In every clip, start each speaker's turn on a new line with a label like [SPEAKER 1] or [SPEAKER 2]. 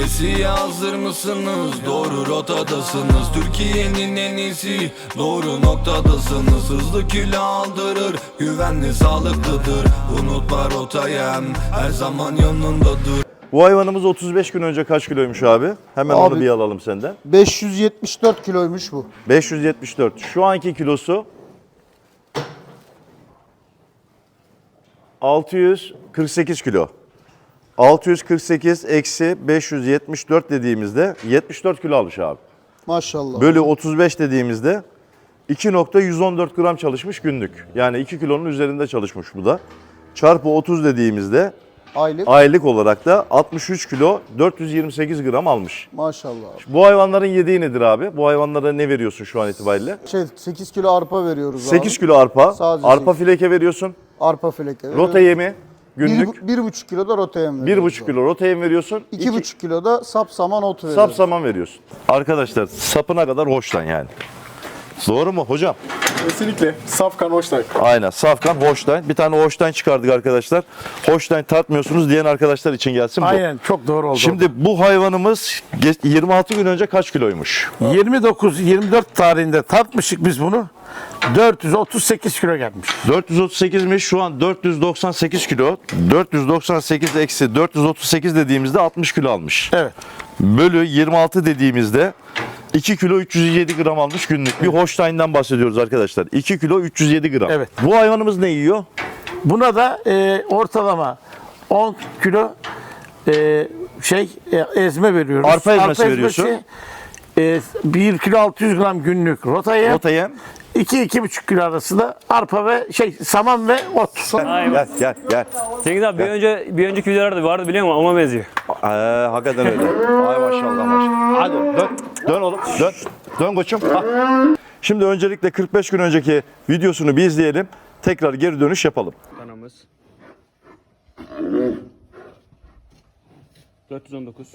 [SPEAKER 1] Besiye hazır mısınız? Doğru rotadasınız. Türkiye'nin en iyisi, doğru noktadasınız. Hızlı kilo aldırır, güvenli sağlıklıdır. Unutma rotayı, her zaman yanındadır.
[SPEAKER 2] Bu hayvanımız 35 gün önce kaç kiloymuş abi? Hemen onu bir alalım senden.
[SPEAKER 3] 574 kiloymuş bu.
[SPEAKER 2] 574. Şu anki kilosu 648 kilo. 648 eksi 574 dediğimizde 74 kilo almış abi.
[SPEAKER 3] Maşallah.
[SPEAKER 2] Bölü 35 dediğimizde 2.114 gram çalışmış günlük. Yani 2 kilonun üzerinde çalışmış bu da. Çarpı 30 dediğimizde aylık olarak da 63 kilo 428 gram almış.
[SPEAKER 3] Maşallah.
[SPEAKER 2] Bu hayvanların yediği nedir abi? Bu hayvanlara ne veriyorsun şu an itibariyle?
[SPEAKER 3] 8 kilo arpa veriyoruz
[SPEAKER 2] 8
[SPEAKER 3] abi.
[SPEAKER 2] kilo arpa.
[SPEAKER 3] Sadece
[SPEAKER 2] Arpa
[SPEAKER 3] 8.
[SPEAKER 2] fileke veriyorsun.
[SPEAKER 3] Arpa fileke veriyoruz.
[SPEAKER 2] Rota yemi günlük.
[SPEAKER 3] 1,5 kilo da rota yem veriyoruz.
[SPEAKER 2] 1,5 kilo rota yem veriyorsun.
[SPEAKER 3] 2,5 kilo da sap saman ot veriyoruz.
[SPEAKER 2] Sap saman veriyorsun. Arkadaşlar sapına kadar hoşlan yani. Doğru mu hocam?
[SPEAKER 4] Kesinlikle. Safkan Holstein.
[SPEAKER 2] Aynen. Safkan Holstein. Bir tane Holstein çıkardık arkadaşlar. Holstein tartmıyorsunuz diyen arkadaşlar için gelsin bu.
[SPEAKER 5] Aynen, çok doğru oldu.
[SPEAKER 2] Şimdi bu hayvanımız 26 gün önce kaç kiloymuş?
[SPEAKER 5] 29-24 tarihinde tartmışık biz bunu. 438 kilo gelmiş.
[SPEAKER 2] 438'miş, şu an 498 kilo. 498 eksi 438 dediğimizde 60 kilo almış.
[SPEAKER 5] Evet.
[SPEAKER 2] Bölü 26 dediğimizde 2 kilo 307 gram almış günlük. Bir Holstein'den bahsediyoruz arkadaşlar. 2 kilo 307 gram.
[SPEAKER 5] Evet.
[SPEAKER 2] Bu hayvanımız ne yiyor?
[SPEAKER 5] Buna da ortalama 10 kilo ezme veriyoruz.
[SPEAKER 2] Arpa ezmesi veriyorsun.
[SPEAKER 5] 1 kilo 600 gram günlük rota yem.
[SPEAKER 2] Rota yem.
[SPEAKER 5] 2-2,5 kilo arasında arpa ve saman ve ot.
[SPEAKER 2] Gel.
[SPEAKER 6] Cengiz abi bir önceki videolarda vardı biliyor musun? Ona benziyor.
[SPEAKER 2] Hakikaten öyle. Ay maşallah. Hadi dön oğlum. Dön koçum. Ha. Şimdi öncelikle 45 gün önceki videosunu bir izleyelim. Tekrar geri dönüş yapalım.
[SPEAKER 6] Kanamız 419.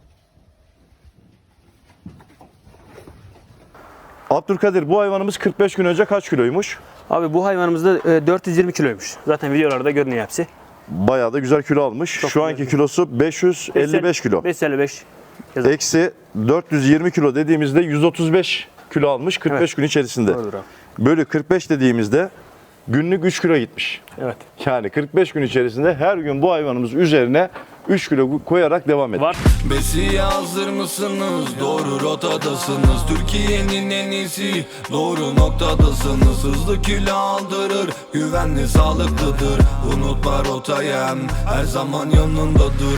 [SPEAKER 2] Abdülkadir, bu hayvanımız 45 gün önce kaç kiloymuş?
[SPEAKER 6] Abi bu hayvanımız da 420 kiloymuş. Zaten videolarda görünüyor hepsi.
[SPEAKER 2] Bayağı da güzel kilo almış. Şu anki kilosu 555 kilo.
[SPEAKER 6] 555.
[SPEAKER 2] Eksi 420 kilo dediğimizde 135 kilo almış 45 gün içerisinde.
[SPEAKER 6] Doğrudur abi.
[SPEAKER 2] Bölü 45 dediğimizde günlük 3 kilo gitmiş.
[SPEAKER 6] Evet.
[SPEAKER 2] Yani 45 gün içerisinde her gün bu hayvanımız üzerine 3 kilo koyarak devam ediyor.
[SPEAKER 6] Var.
[SPEAKER 1] Besiye hazır mısınız? Doğru rotadasınız. Türkiye'nin en iyisi, doğru noktadasınız. Hızlı kilo aldırır, güvenli sağlıklıdır. Unutma rotayı, her zaman yanındadır.